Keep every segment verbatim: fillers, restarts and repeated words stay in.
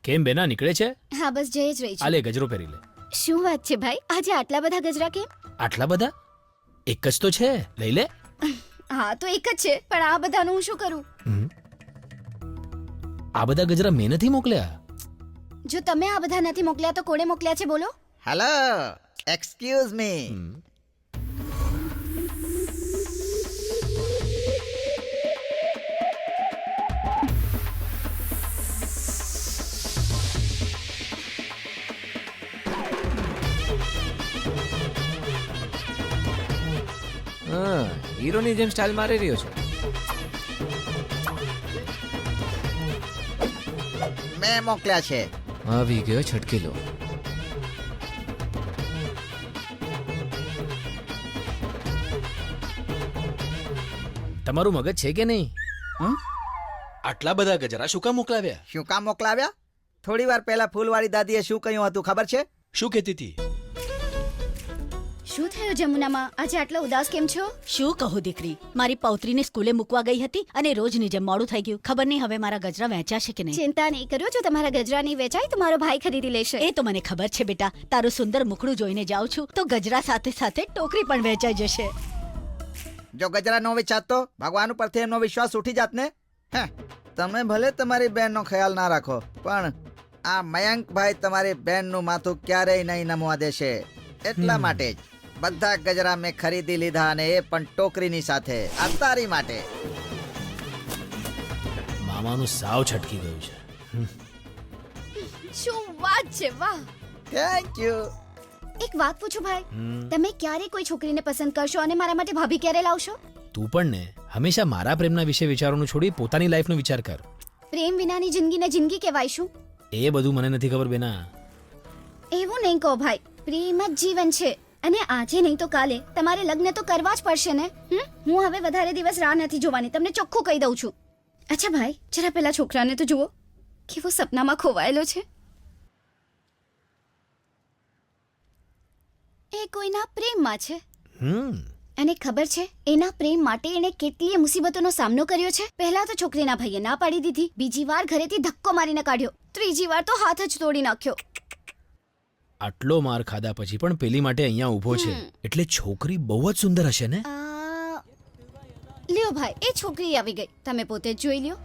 કેમ બેના નીકળે છે? હા બસ જઈ જ રહી આ છું. લે ગજરો પહેરી લે. શું વાત છે ભાઈ, આજે આટલા બધા ગજરા કેમ? આટલા બધા? એક જ તો છે, લઈ લે. હા તો એક જ છે, પણ આ બધાનું હું શું કરું? હમ. આ બધા ગજરા મેં નથી મોકલ્યા. જો તમે આ બધા નથી મોકલ્યા તો કોણે મોકલ્યા છે બોલો? Hello, excuse me. હમ. હા, હીરોની જેમ સ્ટાઇલ મારી રહ્યો છે. મેં મોકલ્યા છે. આવી ગયો છટકીલો. તમારું મગજ છે કે નહીં? હમ? આટલા બધા ગજરા શું કામ મોકલાવ્યા? શું કામ મોકલાવ્યા? થોડી વાર પહેલા ફૂલવાળી દાદીએ શું કહ્યું હતું ખબર છે? શું કહેતી હતી? શું થયું જમુનામાં, આજે આટલા ઉદાસ કેમ છો? શું કહું દીકરી, મારી પૌત્રીને સ્કૂલે મૂકવા ગઈ હતી અને રોજની જેમ મોડું થઈ ગયું. ખબર નહીં હવે મારા ગજરા વેચાશે કે નહીં. ચિંતા નહીં કરો, જો તમારા ગજરા નહીં વેચાય તો મારો ભાઈ ખરીદી લેશે. એ તો મને ખબર છે બેટા, તારું સુંદર મુખડું જોઈને જાઉં છું તો ગજરા સાથે સાથે ટોકરી પણ વેચાઈ જશે. જો ગજરા નો વેચાત તો ભગવાન ઉપરથી એમનો વિશ્વાસ ઉઠી જાત ને. હે, તમે ભલે તમારી બહેનનો ખ્યાલ ના રાખો, પણ આ મયંકભાઈ તમારી બહેનનું માથું ક્યારેય નહીં નમવા દેશે. એટલા માટે જ બધા ગજરા મેં ખરીદી લીધા, અને એ પણ ટોકરીની સાથે, આ તારી માટે. મામાનું સાવ છટકી ગયું છે. શું વાત છે, વાહ. Thank you. એક વાત પૂછું ભાઈ, હમ. તમે ક્યારે કોઈ છોકરીને પસંદ કરશો અને મારા માટે ભાભી ક્યારે લાવશો? તું પણ ને હંમેશા મારા પ્રેમના વિશે વિચારવાનું છોડી પોતાની લાઈફનો વિચાર કર. પ્રેમ વિનાની જિંદગીને જિંદગી કહેવાય શું? એ બધું મને નથી ખબર બેના. એવું નહીં કહો ભાઈ, પ્રેમ જ જીવન છે અને આજે નહીં તો કાલે તમારે લગ્ન તો કરવા જ પડશે ને. હમ? હું હવે વધારે દિવસ રાહ નથી જોવાની, તમને ચોખ્ખું કહી દઉં છું. અચ્છા ભાઈ, જરા પેલા છોકરાને તો જુઓ, કેવો સપનામાં ખોવાયેલો છે. એ કોઈના પ્રેમમાં છે હમ. અને ખબર છે એના પ્રેમ માટે એણે કેટલીય મુસીબતોનો સામનો કર્યો છે. પહેલા તો છોકરીના ભાઈએ ના પાડી દીધી, બીજી વાર ઘરેથી ધક્કો મારીને કાઢ્યો, ત્રીજી વાર તો હાથ જ તોડી નાખ્યો. આટલો માર ખાધા પછી પણ પેલી માટે અહીંયા ઊભો છે, એટલે છોકરી બહુ જ સુંદર હશે ને? આ, લ્યો ભાઈ, એ છોકરી આવી ગઈ, તમે પોતે જ જોઈ લ્યો.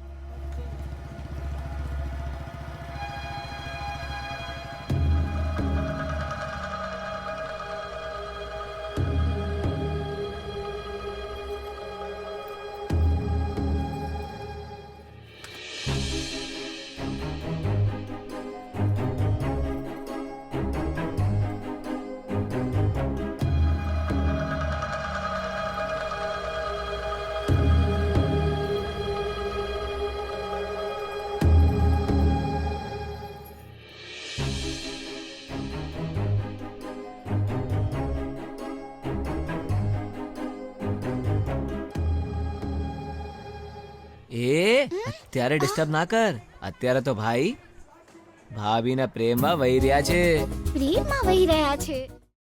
એ અત્યારે ડિસ્ટર્બ ના કર. અત્યારે તો ભાઈ ભાભીના પ્રેમમાં વહી રહ્યા છે. પ્રેમમાં વહી રહ્યા છે.